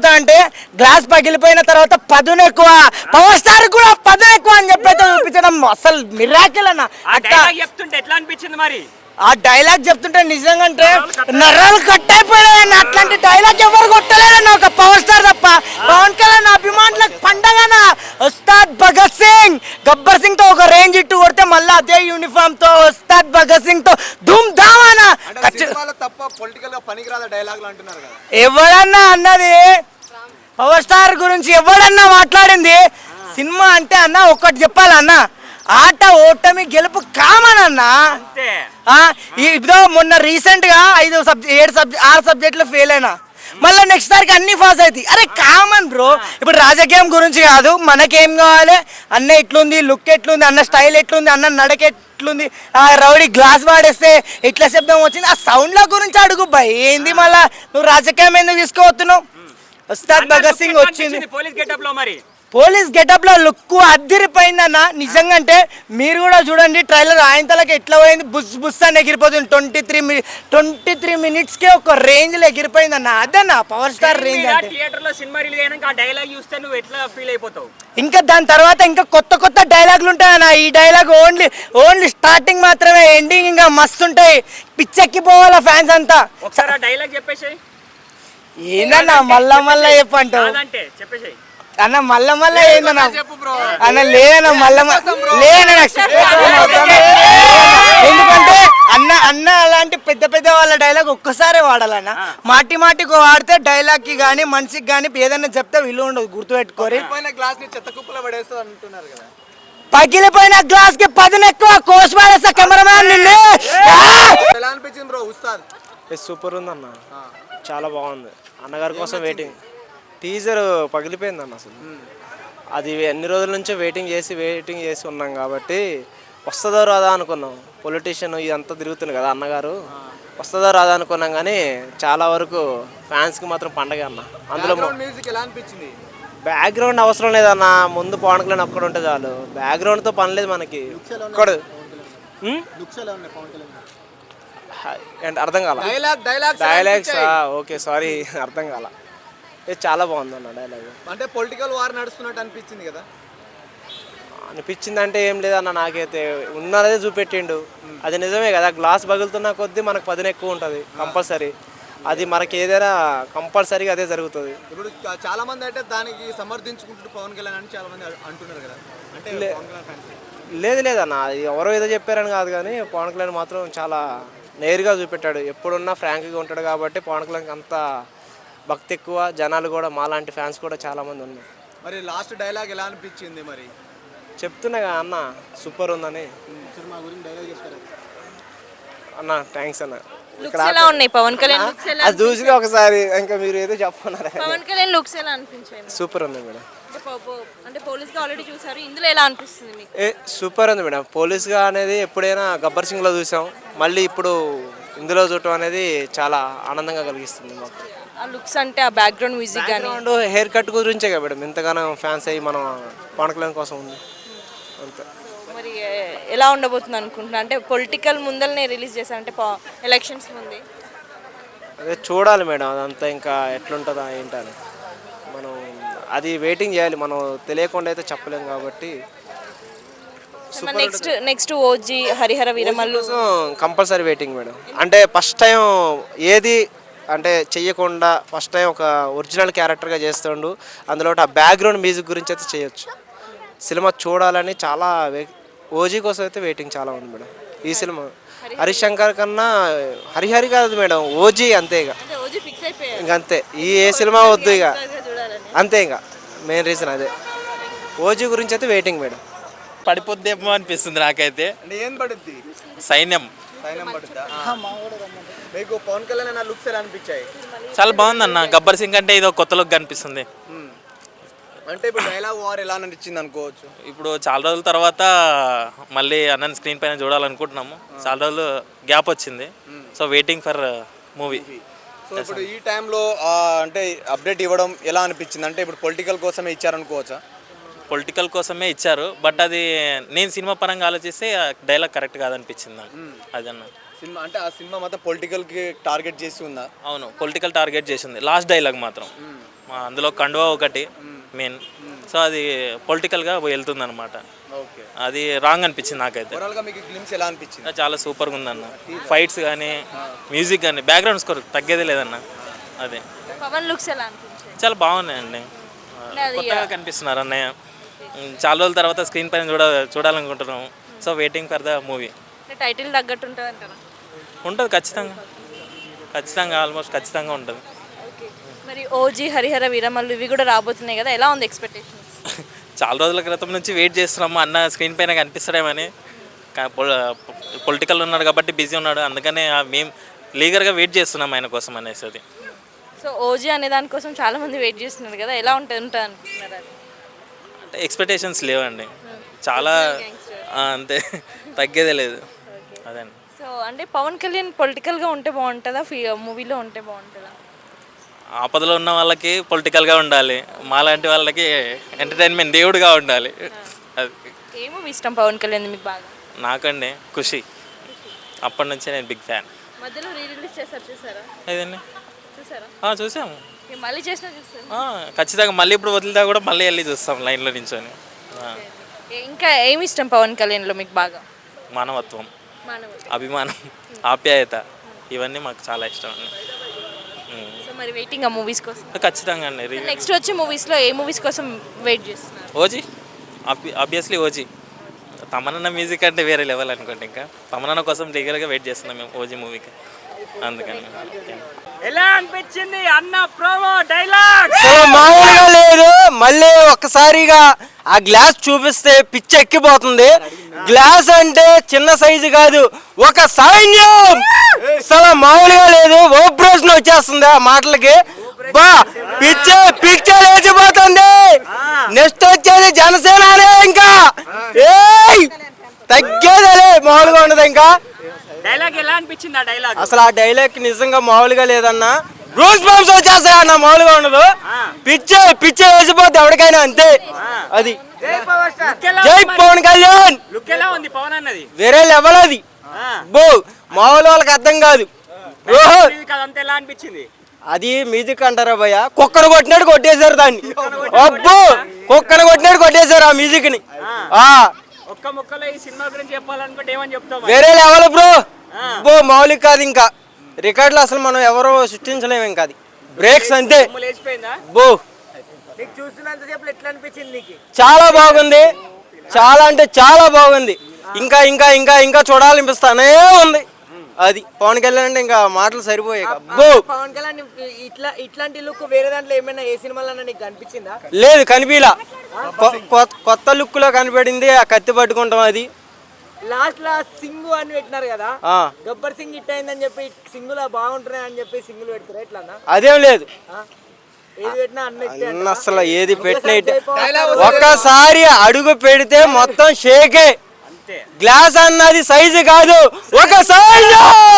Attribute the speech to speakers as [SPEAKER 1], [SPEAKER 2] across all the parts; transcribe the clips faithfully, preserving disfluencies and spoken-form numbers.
[SPEAKER 1] ఏమవుతా అంటే గ్లాస్ పగిలిపోయిన తర్వాత పదును ఎక్కువ, పవర్ స్టార్ కూడా పదును ఎక్కువ అని చెప్పి అయితే చూపించడం అసలు మిరాకిల్ అన్న.
[SPEAKER 2] చెప్తుంటే ఎట్లా అనిపించింది మరి?
[SPEAKER 1] ఆ డైలాగ్ చెప్తుంటే నిజంగా అంటే నర్రాలు కట్ అయిపోయాయన్న. అట్లాంటి డైలాగ్ ఎవరు కొట్టలేదన్న ఒక పవర్ స్టార్ తప్ప. పవన్ కళ్యాణ్ అభిమానులకు పండగన. ఉస్తాద్ భగత్ సింగ్ గబ్బర్ సింగ్ తో ఒక రేంజ్ ఇట్టు కొడితే మళ్ళీ అదే యూనిఫామ్ తో ఉస్తాద్ భగత్ సింగ్ తో ధూమ్ ధామాన. ఎవడన్నా అన్నది పవర్ స్టార్ గురించి ఎవడన్నా మాట్లాడింది? సినిమా అంటే అన్న ఒక్కటి చెప్పాలన్నా, ఆట ఓటమి గెలుపు కామన్ అన్న. ఇదో మొన్న రీసెంట్ గా ఐదు సబ్జెక్ట్ ఏడు సబ్జెక్ట్ ఆరు సబ్జెక్టులు ఫెయిల్ అయినా, మళ్ళీ నెక్స్ట్ సారికి అన్ని పాస్ అవుతాయి. అరే కామన్ బ్రో. ఇప్పుడు రాజకీయం గురించి కాదు, మనకేం కావాలి, అన్న ఎట్లుంది, లుక్ ఎట్లుంది, అన్న స్టైల్ ఎట్లుంది, అన్న నడక ఎట్లుంది, ఆ రౌడీ గ్లాస్ వాడేస్తే ఎట్లా శబ్దం వచ్చింది, ఆ సౌండ్ల గురించి అడుగు భయ్. ఏంది మళ్ళా నువ్వు రాజకీయం ఎందుకు తీసుకోవస్తున్నావు? ఉస్తాద్ భగత్ సింగ్ వచ్చింది
[SPEAKER 2] పోలీస్ గెటప్ లో, మరి
[SPEAKER 1] పోలీస్ గెటప్ లో లుక్ అద్దిరిపోయిందన్న నిజంగా. అంటే మీరు కూడా చూడండి ట్రైలర్, ఆయన తలకి ఎట్లా పోయింది, బుస్ బుస్ అని ఎగిరిపోతుంది. Twenty three twenty three minutes కే ఒక రేంజ్ లో ఎగిరిపోయిందన్న. అదన్న పవర్ స్టార్ రేంజ్.
[SPEAKER 2] థియేటర్ లో సినిమా రిలీజ్ అయినాక ఆ డైలాగ్ చూస్తే నువ్వు ఎట్లా ఫీల్ అయిపోతావు?
[SPEAKER 1] ఇంకా దాని తర్వాత ఇంకా కొత్త కొత్త డైలాగులు ఉంటాయన్న. ఈ డైలాగ్ ఓన్లీ ఓన్లీ స్టార్టింగ్ మాత్రమే, ఎండింగ్ ఇంకా మస్తు ఉంటాయి. పిచ్చెక్కిపోవాలా ఫ్యాన్స్ అంతా.
[SPEAKER 2] ఒకసారి ఆ డైలాగ్ చెప్పేసి.
[SPEAKER 1] ఏందన్నా మళ్ళా మళ్ళా చెప్పంటావు?
[SPEAKER 2] చెప్పేసి
[SPEAKER 1] అన్న మళ్ళా మళ్ళా ఏందన్నా అన్న లేదన్న మళ్ళా లేదన్న. ఎందుకంటే అన్న అన్న అలాంటి పెద్ద పెద్ద వాళ్ళ డైలాగ్ ఒక్కసారే వాడాలన్న. మాటి మాటికి వాడితే డైలాగ్ కి గానీ మనిషికి గానీ ఏదైనా చెప్తే విలువ ఉండదు. గుర్తుపెట్టుకోరి. పగిలిపోయిన గ్లాస్ కి పదును ఎక్కువ, కోసి పడేస్తా కెమెరామ్యాన్ నిన్ను.
[SPEAKER 3] సూపర్ ఉందన్న, చాలా బాగుంది. అన్నగారి కోసం వెయిటింగ్. టీజర్ పగిలిపోయింది అన్న. అసలు అది ఎన్ని రోజుల నుంచో వెయిటింగ్ చేసి వెయిటింగ్ చేసి ఉన్నాం కాబట్టి వస్తుందో రాదా అనుకున్నాం. పొలిటీషియన్ ఇదంతా తిరుగుతుంది కదా అన్నగారు, వస్తుందో రాదా అనుకున్నాం. కానీ చాలా వరకు ఫ్యాన్స్కి మాత్రం పండగ అన్న. అందులో బ్యాక్గ్రౌండ్ అవసరం లేదన్న, ముందు పవన్ కళ్యాణ్ ఒక్కడ ఉంటే చాలు. బ్యాక్గ్రౌండ్తో పని లేదు మనకి. ఒక్కడు అర్థం కాల డైలాగ్స్. ఓకే సారీ అర్థం కాల. ఇది చాలా బాగుంది అన్న డైలాగ్.
[SPEAKER 4] అంటే పొలిటికల్ వార్ నడుస్తున్నట్టు అనిపించింది కదా?
[SPEAKER 3] అనిపించింది అంటే ఏం లేదన్న, నాకైతే ఉన్నదే చూపెట్టిండు. అది నిజమే కదా, గ్లాస్ పగులుతున్న కొద్దీ మనకు పదును ఎక్కువ ఉంటుంది కంపల్సరీ. అది మనకి ఏదైనా కంపల్సరీగా అదే జరుగుతుంది.
[SPEAKER 4] ఇప్పుడు చాలా మంది అంటే దానికి సమర్థించుకుంటూ పవన్ కళ్యాణ్ అని చాలా మంది అంటున్నారు కదా. అంటే
[SPEAKER 3] లేదు లేదన్న, ఎవరో ఏదో చెప్పారని కాదు, కానీ పవన్ కళ్యాణ్ మాత్రం చాలా నేరుగా చూపెట్టాడు. ఎప్పుడున్నా ఫ్రాంక్గా ఉంటాడు కాబట్టి పవన్ కళ్యాణ్కి అంత భక్తి ఎక్కువ. జనాలు కూడా మాలాంటి ఫ్యాన్స్ కూడా చాలామంది ఉన్నారు.
[SPEAKER 4] మరి లాస్ట్ డైలాగ్ ఎలా అనిపించింది? మరి
[SPEAKER 3] చెప్తున్నా అన్న సూపర్ ఉందని. అన్న థ్యాంక్స్ అన్న.
[SPEAKER 5] ఎలా ఉన్నాయి పవన్ కళ్యాణ్ లుక్స్? ఎలా
[SPEAKER 3] అది చూసి ఒకసారి ఇంకా మీరు ఏదో చెప్పన్నారు.
[SPEAKER 5] పవన్ కళ్యాణ్ లుక్స్ ఎలా అనిపించాయి?
[SPEAKER 3] సూపర్ ఉంది మేడం.
[SPEAKER 5] అంటే పోలీస్గా ఆల్రెడీ చూసారు, ఇందులో ఎలా అనిపిస్తుంది మీకు?
[SPEAKER 3] ఏ సూపర్ ఉంది మేడం. పోలీస్గా అనేది ఎప్పుడైనా గబ్బర్ సింగ్లో చూసాం, మళ్ళీ ఇప్పుడు ఇందులో చూడటం అనేది చాలా ఆనందంగా కలిగిస్తుంది మాకు.
[SPEAKER 5] ఆ లుక్స్ అంటే ఆ బ్యాక్గ్రౌండ్ మ్యూజిక్ కానీ
[SPEAKER 3] హెయిర్ కట్ గురించే కదా మేడం ఇంతగానో ఫ్యాన్స్ అయ్యి మనం పవన్ కళ్యాణ్ కోసం ఉంది అంతే.
[SPEAKER 5] మరి ఎలా ఉండబోతుంది అనుకుంటున్నా? అంటే పొలిటికల్ ముందరనే రిలీజ్ చేశారంటే ఎలక్షన్స్ ముందే.
[SPEAKER 3] అదే చూడాలి మేడం, అదంతా ఇంకా ఎట్లుంటుందా ఏంటని మనం అది వెయిటింగ్ చేయాలి. మనం తెలియకుండా అయితే చెప్పలేము కాబట్టి.
[SPEAKER 5] Next next OG Harihara Veeramallu
[SPEAKER 3] compulsory waiting madam. అంటే ఫస్ట్ టైం ఏది అంటే చెయ్యకుండా ఫస్ట్ టైం ఒక ఒరిజినల్ క్యారెక్టర్గా చేస్తుండు. అందులో ఆ బ్యాక్గ్రౌండ్ మ్యూజిక్ గురించి అయితే చేయొచ్చు. సినిమా చూడాలని చాలా ఓజీ కోసం అయితే వెయిటింగ్ చాలా ఉంది మేడం. ఈ సినిమా హరిశంకర్ కన్నా హరిహరి కాదు మేడం, ఓజీ అంతే. ఇక ఇంకంతే, ఈ ఏ సినిమా వద్దు ఇక అంతే. ఇంకా మెయిన్ రీజన్ అదే. ఓజీ గురించి అయితే వెయిటింగ్ మేడం.
[SPEAKER 6] పడిపోద్దేమో అనిపిస్తుంది నాకైతే.
[SPEAKER 4] అంటే ఏం పడుద్ది?
[SPEAKER 6] సైన్యం
[SPEAKER 4] సైన్యం పడుద్దా? మీకు పవన్ కళ్యాణ్ లుక్స్ ఎలా అనిపించాయి?
[SPEAKER 6] చాలా బాగుంది అన్న. గబ్బర్ సింగ్ అంటే ఇది కొత్త లుక్ కనిపిస్తుంది.
[SPEAKER 4] అంటే ఇప్పుడు డైలాగ్ వార్ ఎలా అనిపించింది అనుకోవచ్చు?
[SPEAKER 6] ఇప్పుడు చాలా రోజుల తర్వాత మళ్ళీ అన్నని స్క్రీన్ పైన చూడాలనుకుంటున్నాము. చాలా రోజులు గ్యాప్ వచ్చింది, so waiting for movie.
[SPEAKER 4] So ఇప్పుడు ఈ టైంలో అంటే అప్డేట్ ఇవ్వడం ఎలా అనిపించింది? అంటే ఇప్పుడు పొలిటికల్ కోసమే ఇచ్చారనుకోవచ్చా?
[SPEAKER 6] పొలిటికల్ కోసమే ఇచ్చారు, బట్ అది నేను సినిమా పరంగా ఆలోచిస్తే డైలాగ్ కరెక్ట్ కాదనిపించింది నాకు. అదన్న
[SPEAKER 4] సినిమా అంటే ఆ సినిమా మొత్తం పొలిటికల్కి టార్గెట్ చేసి ఉందా?
[SPEAKER 6] అవును, పొలిటికల్ టార్గెట్ చేసింది లాస్ట్ డైలాగ్ మాత్రం. మా అందులో కండువా ఒకటి మెయిన్. సో అది పొలిటికల్గా వెళ్తుంది అనమాట.
[SPEAKER 4] ఓకే,
[SPEAKER 6] అది రాంగ్ అనిపించింది నాకైతే.
[SPEAKER 4] ఓవరాల్గా మీకు గ్లిమ్స్ ఎలా అనిపించింది?
[SPEAKER 6] చాలా సూపర్గా ఉందన్న. ఫైట్స్ కానీ మ్యూజిక్ కానీ బ్యాక్గ్రౌండ్ స్కోర్ తగ్గేదే లేదన్న. అదే
[SPEAKER 5] పవన్ లుక్స్ ఎలా అనిపించాయి?
[SPEAKER 6] చాలా బాగున్నాయండి. కొత్తగా కనిపిస్తున్నారు అన్నయ్య. చాలా రోజుల తర్వాత స్క్రీన్ పైన చూడ చూడాలనుకుంటున్నాం. So waiting for the movie.
[SPEAKER 5] Title తగ్గట్టు ఉంటుంది అంటారా?
[SPEAKER 6] ఉంటుంది ఖచ్చితంగా, ఖచ్చితంగా ఆల్మోస్ట్ ఖచ్చితంగా ఉంటుంది.
[SPEAKER 5] ఓకే, మరి ఓజీ, హరిహర వీరమల్లు ఇవి కూడా రాబోతున్నాయి కదా, ఎలా ఉంది ఎక్స్పెక్టేషన్స్?
[SPEAKER 6] చాలా రోజుల క్రితం నుంచి వెయిట్ చేస్తున్నాము అన్న స్క్రీన్ పైన కనిపిస్తాడేమని. పొలిటికల్ ఉన్నాడు కాబట్టి బిజీ ఉన్నాడు, అందుకనే మేము లీగర్గా వెయిట్ చేస్తున్నాం ఆయన కోసం అనేసి. అది
[SPEAKER 5] సో ఓజీ అనే దానికోసం చాలా మంది వెయిట్ చేస్తున్నారు కదా, ఎలా ఉంటుంది ఉంటుంది అనుకుంటున్నారు? అది
[SPEAKER 6] అంటే ఎక్స్పెక్టేషన్స్ లేవండి, చాలా ఆ, అంతే, తగ్గేదే లేదు. అదే అండి.
[SPEAKER 5] సో అంటే పవన్ కళ్యాణ్ పొలిటికల్గా ఉంటే బాగుంటుందా, మూవీలో ఉంటే బాగుంటుందా?
[SPEAKER 6] ఆపదలో ఉన్న వాళ్ళకి పొలిటికల్గా ఉండాలి, మాలాంటి వాళ్ళకి ఎంటర్టైన్మెంట్ దేవుడిగా ఉండాలి. అది
[SPEAKER 5] ఏ మూవీ ఇష్టం పవన్ కళ్యాణ్ మీకు బాగా?
[SPEAKER 6] నాకండి ఖుషి, అప్పటి నుంచే నేను బిగ్ ఫ్యాన్.
[SPEAKER 5] మధ్యలో రీ రిలీజ్ చేస్తారు, చూసారా?
[SPEAKER 6] ఏదండి?
[SPEAKER 5] చూసారా?
[SPEAKER 6] ఆ, చూసాము.
[SPEAKER 5] ఇక మళ్ళీ చేసినా చూసారు?
[SPEAKER 6] ఆ, ఖచ్చితంగా మళ్ళీ ఇప్పుడు వదిలితే కూడా మళ్ళీ వెళ్ళి చూస్తాం లైన్లో నించొని. ఆ,
[SPEAKER 5] ఇంకా ఏమి ఇష్టం పవన్ కళ్యాణ్లో మీకు బాగా?
[SPEAKER 6] మానవత్వం,
[SPEAKER 5] మానవుడు.
[SPEAKER 6] అభిమానం, ఆప్యాయత, ఇవన్నీ మాకు చాలా ఇష్టం అండి. ఉమ్.
[SPEAKER 5] సో మరి వెయిటింగ్ ఆ మూవీస్ కోసం?
[SPEAKER 6] ఖచ్చితంగా అండి. రీ-
[SPEAKER 5] నెక్స్ట్ వచ్చే మూవీస్లో ఏ మూవీస్ కోసం వెయిట్ చేస్తున్నారు?
[SPEAKER 6] OG, obviously OG. తమనన్న మ్యూజిక్ అంటే వేరే లెవెల్ అనుకోండి. ఇంకా తమనన్న కోసం లీగల్గా వెయిట్ చేస్తున్నాం మేము ఓజీ మూవీకి, అందుకని.
[SPEAKER 2] ఎలా అనిపించింది అన్న ప్రోమో డైలాగ్?
[SPEAKER 1] అసలు మామూలుగా లేదు. మళ్ళీ ఒక్కసారిగా ఆ గ్లాస్ చూపిస్తే పిచ్చి ఎక్కిపోతుంది. గ్లాస్ అంటే చిన్న సైజు కాదు, ఒక సైన్యం. అసలు మామూలుగా లేదు. ఓపరేషన్ వచ్చేస్తుంది ఆ మాటలకి. బా పిచ్చే పిచ్చే లేచిపోతుంది. నెక్స్ట్ వచ్చేది జనసేననే. ఇంకా ఏయ్ తగ్గేదలే, మామూలుగా ఉండదు. ఇంకా
[SPEAKER 2] డైలాగ్ ఎలా అనిపించింది? ఆ డైలాగ్
[SPEAKER 1] అసలు ఆ డైలాగ్ నిజంగా మామూలుగా లేదన్నా. రూల్స్ బంప్స్ వచ్చేస్తాయి అన్న, మామూలుగా ఉండదు. పిచ్చే పిచ్చే వేసిపోద్ది ఎవరికైనా, అంతే. అది జై పవన్ కళ్యాణ్.
[SPEAKER 2] లుక్ ఎలా ఉంది పవన్ అన్నది?
[SPEAKER 1] వేరే లెవెల్ అది. బో మామూలు వాళ్ళకి అర్థం కాదు. ఓహో,
[SPEAKER 2] అదంతా ఎలా అనిపించింది?
[SPEAKER 1] అది మ్యూజిక్ అంటారా భయ్య? కుక్కను కొట్టినట్టు కొట్టేశారు దాన్ని. అబ్బో, కుక్కను కొట్టినట్టు కొట్టేశారు ఆ మ్యూజిక్ ని. ఆ
[SPEAKER 2] ఒక్క ముక్కలో ఈ సినిమా గురించి చెప్పాలనుకుంటే ఏమని చెప్తావు?
[SPEAKER 1] వేరే లెవెల్ బ్రో. బో మామూలు కాదు. ఇంకా రికార్డులు అసలు మనం ఎవరో సృష్టించలేము. ఇంకా అది బ్రేక్స్ అంతే.
[SPEAKER 2] లేచిపోయిందా?
[SPEAKER 1] బో
[SPEAKER 2] నీకు చూస్తున్నంతసేపు ఎట్లా అనిపించింది నీకు?
[SPEAKER 1] చాలా బాగుంది, చాలా అంటే చాలా బాగుంది. ఇంకా ఇంకా ఇంకా ఇంకా చూడాలనిపిస్తానే ఉంది. అది పవన్ కళ్యాణ్ అంటే ఇంకా మాటలు సరిపోయాయి. బో
[SPEAKER 7] పవన్ కళ్యాణ్ ఇట్లా ఇట్లాంటి లుక్ వేరే దాంట్లో ఏమైనా ఏ సినిమాలో నీకు కనిపించిందా?
[SPEAKER 1] లేదు, కనిపిలా. కొ- కొ- కొత్త లుక్ లో కనిపడింది ఆ కత్తి పట్టుకుంటాం. అది
[SPEAKER 7] లాస్ట్ లా సింగు అని పెట్టినారు కదా,
[SPEAKER 1] ఆ
[SPEAKER 7] గబ్బర్ సింగ్ హిట్ అయిందని చెప్పి సింగులా బాగుంటున్నాయి అని చెప్పి సింగులు పెడతారు ఎట్లా?
[SPEAKER 1] అదేం లేదు.
[SPEAKER 7] ఏది పెట్టినా అన్ని hit ఏ
[SPEAKER 1] అన్న అసలు ఏది పెట్టినట్టు ఒక్కసారి అడుగు పెడితే మొత్తం షేకే. గ్లాస్ అన్నది సైజు కాదు, ఒక సైజు.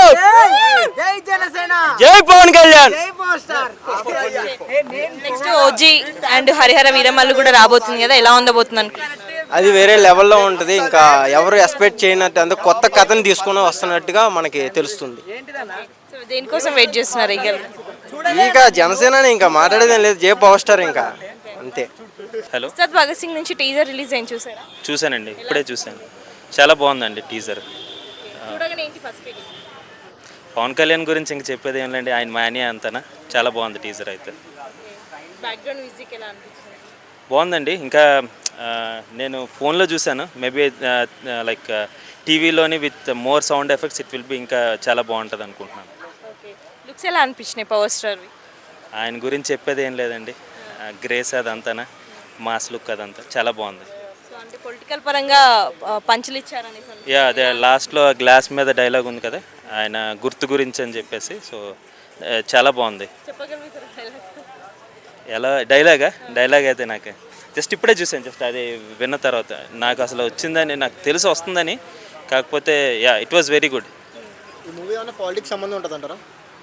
[SPEAKER 7] జై జనసేన,
[SPEAKER 1] జై పవన్ కళ్యాణ్.
[SPEAKER 7] జై power star.
[SPEAKER 5] Next OG and Harihara Veeramallu కూడా రాబోతుంది కదా, ఎలా ఉండబోతుంది అనుకుంటున్నారు?
[SPEAKER 1] అది వేరే లెవెల్లో ఉంటుంది. ఇంకా ఎవరు ఎక్స్పెక్ట్ చేయనట్టు అంత కొత్త కథను తీసుకుని వస్తున్నట్టుగా మనకి తెలుస్తుంది.
[SPEAKER 5] సో దేనికోసం వెయిట్ చేస్తున్నారు? ఇక
[SPEAKER 1] ఇంకా జనసేన ఇంకా మాట్లాడేదేం లేదు. జై పవర్ స్టార్ ఇంకా అంతే.
[SPEAKER 8] హలో,
[SPEAKER 5] ఉస్తాద్ భగత్ సింగ్ నుంచి టీజర్ రిలీజ్ అయింది, చూసారా?
[SPEAKER 8] చూశానండి, ఇప్పుడే చూశాను. చాలా బాగుందండి టీజర్.
[SPEAKER 5] చూడగానే ఏంటి ఫస్ట్ ఫీలింగ్?
[SPEAKER 8] పవన్ కళ్యాణ్ గురించి ఇంక చెప్పేది ఏం లేండి, ఆయన మానియా అంతనా. చాలా బాగుంది టీజర్ అయితే.
[SPEAKER 5] బ్యాక్గ్రౌండ్ మ్యూజిక్ ఎలా అనిపించింది?
[SPEAKER 8] బాగుందండి. ఇంకా ఆ, నేను ఫోన్లో చూశాను, మేబీ లైక్ టీవీలోని with more sound effects it will be ఇంకా చాలా బాగుంటుంది అనుకుంటున్నాను.
[SPEAKER 5] ఓకే, లుక్స్ ఎలా అనిపించినాయి పవర్ స్టార్వి?
[SPEAKER 8] ఆయన గురించి చెప్పేది ఏం లేదండి, గ్రేస్ అదంతానా, మాస్ లుక్ అదంతా చాలా బాగుంది.
[SPEAKER 5] సో అంటే పొలిటికల్ పరంగా ఆ, పంచులు ఇచ్చారని
[SPEAKER 8] యా, అదే లాస్ట్లో గ్లాస్ మీద డైలాగ్ ఉంది కదా, ఆయన గుర్తు గురించి అని చెప్పేసి. సో ఆ, చాలా బాగుంది.
[SPEAKER 5] చెప్పగలుగుతారా dialogue?
[SPEAKER 8] ఎలా డైలాగా? డైలాగ్ అయితే నాకు జస్ట్ ఇప్పుడే చూసాను, జస్ట్ అది విన్న తర్వాత నాకు అసలు వచ్చిందని నాకు తెలిసి వస్తుందని. కాకపోతే yeah, it was very good.
[SPEAKER 9] ఈ మూవీ ఏమైనా పాలిటిక్స్ సంబంధం ఉంటుంది అంటారా?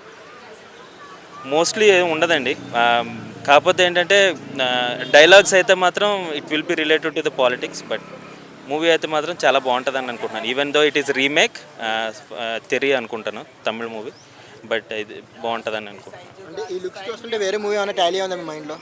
[SPEAKER 8] మోస్ట్లీ ఏం ఉండదండి, ఆ, కాకపోతే ఏంటంటే డైలాగ్స్ అయితే మాత్రం it will be related to the politics. But movie అయితే మాత్రం చాలా బాగుంటుందని అనుకుంటున్నాను. Even though it is remake Theri అనుకుంటాను, తమిళ్ మూవీ. బట్ ఇది బాగుంటుందని అనుకుంటున్నాను.
[SPEAKER 9] అంటే ఈ లుక్స్ చూస్తుంటే వేరే మూవీ ఏమైనా టాలీ ఉందా మీ మైండ్లో?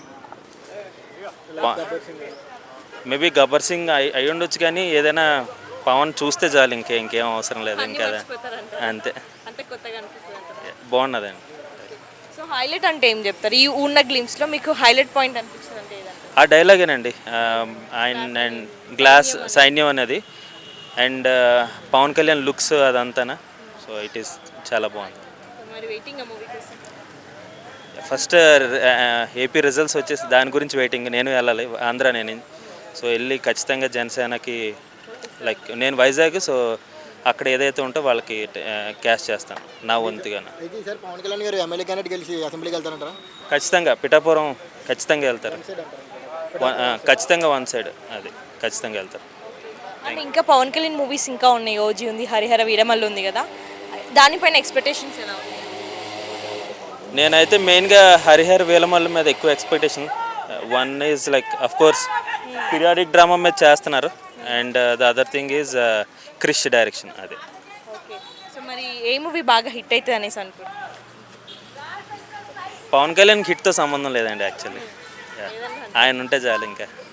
[SPEAKER 8] మేబీ గబ్బర్ సింగ్ అయి అయి ఉండొచ్చు, కానీ ఏదైనా పవన్ చూస్తే చాలు, ఇంకే ఇంకేం అవసరం లేదు ఇంకా. అంతే,
[SPEAKER 5] అంటే కొత్తగా అనిపిస్తుంది అంటారా?
[SPEAKER 8] బాగున్నదండి.
[SPEAKER 5] సో హైలైట్ అంటే ఏం చెప్తారు ఈ ఉన్న గ్లిమ్స్లో మీకు హైలైట్ పాయింట్ అనిపించింది అంటే ఏదంటే?
[SPEAKER 8] ఆ డైలాగేనండి, ఆయన అండ్ గ్లాస్ సైన్యం అనేది, అండ్ పవన్ కళ్యాణ్ లుక్స్ అదంతానా. సో ఇట్ ఈస్ చాలా బాగుంది.
[SPEAKER 5] మరి వెయిటింగ్ ఆ మూవీ కోసం.
[SPEAKER 8] ఫస్ట్ ఏపీ రిజల్ట్స్ వచ్చేసి దాని గురించి వెయిటింగ్. నేను వెళ్ళాలి, ఆంధ్ర నేను. సో వెళ్ళి ఖచ్చితంగా జనసేనకి, లైక్ నేను వైజాగ్, సో అక్కడ ఏదైతే ఉంటో వాళ్ళకి క్యాష్ చేస్తాను నా వంతుగా.
[SPEAKER 9] అయితే ఈసారి పవన్ కళ్యాణ్ గారు ఎమ్మెల్యే క్యాండిడేట్ గెలిచి అసెంబ్లీకి వెళ్తారంటారా?
[SPEAKER 8] ఖచ్చితంగా పిఠాపురం ఖచ్చితంగా వెళ్తారు. వన్- ఆ, ఖచ్చితంగా వన్ సైడ్ అది ఖచ్చితంగా వెళ్తారు.
[SPEAKER 5] అండ్ ఇంకా పవన్ కళ్యాణ్ మూవీస్ ఇంకా ఉన్నాయి, ఓజీ ఉంది, హరిహర వీరమల్లు ఉంది కదా, దానిపైన ఎక్స్పెక్టేషన్స్ ఎలా ఉన్నాయి?
[SPEAKER 8] నేనైతే మెయిన్గా హరిహర్ వేలమల్ల మీద ఎక్కువ expectation. One is like of course periodic drama మీద చేస్తున్నారు, and the other thing is Krish direction. అదే
[SPEAKER 5] ఓకే. సో మరి ఏ మూవీ బాగా హిట్ అవుతుంది అనేసి అనుకుంటున్నాను?
[SPEAKER 8] పవన్ కళ్యాణ్ హిట్తో సంబంధం లేదండి యాక్చువల్లీ. ఆయన ఉంటే చాలు ఇంకా.